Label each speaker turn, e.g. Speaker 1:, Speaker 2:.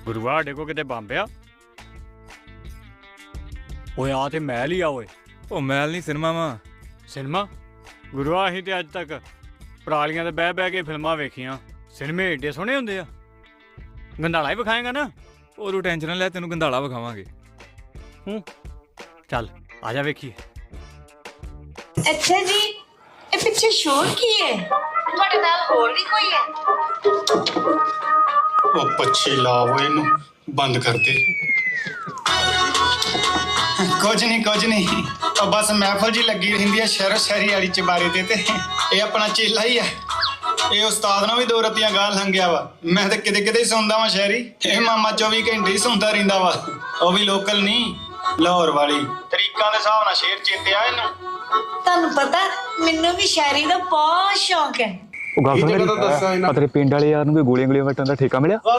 Speaker 1: ਗੁਰੂਆ ਸਾਡੇ ਕੋ ਕਿਤੇ ਬੰਬ ਆ? ਓਏ ਆ ਤੇ ਮਹਿਲ ਹੀ ਆ ਓਏ।
Speaker 2: ਉਹ ਮੈਲ ਨਹੀਂ ਸਿਨੇਮਾ ਵਾ।
Speaker 1: ਸਿਨੇਮਾ? ਗੁਰੂਆ ਅਸੀਂ ਤੇ ਅੱਜ ਤੱਕ ਪਰਾਲੀਆਂ ਤੇ ਬਹਿ ਬਹਿ ਕੇ ਫਿਲਮਾਂ ਵੇਖੀਆਂ। ਸਿਨੇਮੇ ਏਡੇ ਸੋਹਣੇ ਹੁੰਦੇ ਆ। ਗੰਧਾਲਾ ਹੀ ਵਿਖਾਏਗਾ ਨਾ?
Speaker 2: ਉਹ ਤੂੰ ਟੈਨਸ਼ਨ ਨਾ ਲੈ, ਤੈਨੂੰ ਗੰਧਾਲਾ ਵਿਖਾਵਾਂਗੇ।
Speaker 1: ਚੱਲ ਆ ਜਾ ਵੇਖੀਏ।
Speaker 3: ਅੱਛਾ ਜੀ, ਇਹ ਪਿੱਛੇ ਸ਼ੋਰ ਕੀ ਹੈ? ਤੁਹਾਡੇ ਨਾਲ ਹੋਰ ਵੀ ਕੋਈ ਹੈ?
Speaker 4: ਉਹ ਪੱਛੀ ਲਾਵੋ ਇਹਨੂੰ ਬੰਦ ਕਰ ਦੇ। ਕੁਝ ਨਹੀਂ ਉਹ ਬਸ ਮਹਿਫਲ ਜੀ ਲੱਗੀ ਰਹਿੰਦੀ ਹੈ ਸ਼ਹਿਰੋ ਸ਼ਹਿਰੀ ਵਾਲੀ ਚਬਾਰੇ ਤੇ ਇਹ ਆਪਣਾ ਚੇਲਾ ਹੀ ਆ। ਇਹ ਉਸਤਾਦ ਨਾਲ ਵੀ 2 ਰਤੀਆਂ ਗਾਹ ਲੰਘਿਆ ਵਾ। ਮੈਂ ਤਾਂ ਕਿਤੇ ਕਿਤੇ ਹੀ ਸੌਂਦਾ ਵਾਂ ਸ਼ਹਿਰੀ। ਇਹ ਮਾਮਾ 24 ਘੰਟੇ ਹੀ ਸੌਂਦਾ ਰਹਿੰਦਾ ਵਾ। ਉਹ ਵੀ ਲੋਕਲ ਨਹੀਂ, ਲਾਹੌਰ ਵਾਲੀ। ਤਰੀਕਾਂ ਦੇ ਹਿਸਾਬ ਨਾਲ ਸ਼ੇਰ ਚੇਤੇ ਆ ਇਹਨੂੰ।
Speaker 3: ਤੁਹਾਨੂੰ ਪਤਾ ਮੈਨੂੰ ਵੀ ਸ਼ਾਇਰੀ ਦਾ ਬਹੁਤ ਸ਼ੌਂਕ ਹੈ।
Speaker 5: ਉਹ ਗੱਲ ਸੁਣ, ਤੇਰੇ ਪਿੰਡ ਵਾਲੇ ਯਾਰ ਨੂੰ ਕੋਈ ਗੋਲੀਆਂ ਵੱਟਣ ਦਾ ਠੇਕਾ ਮਿਲਿਆ?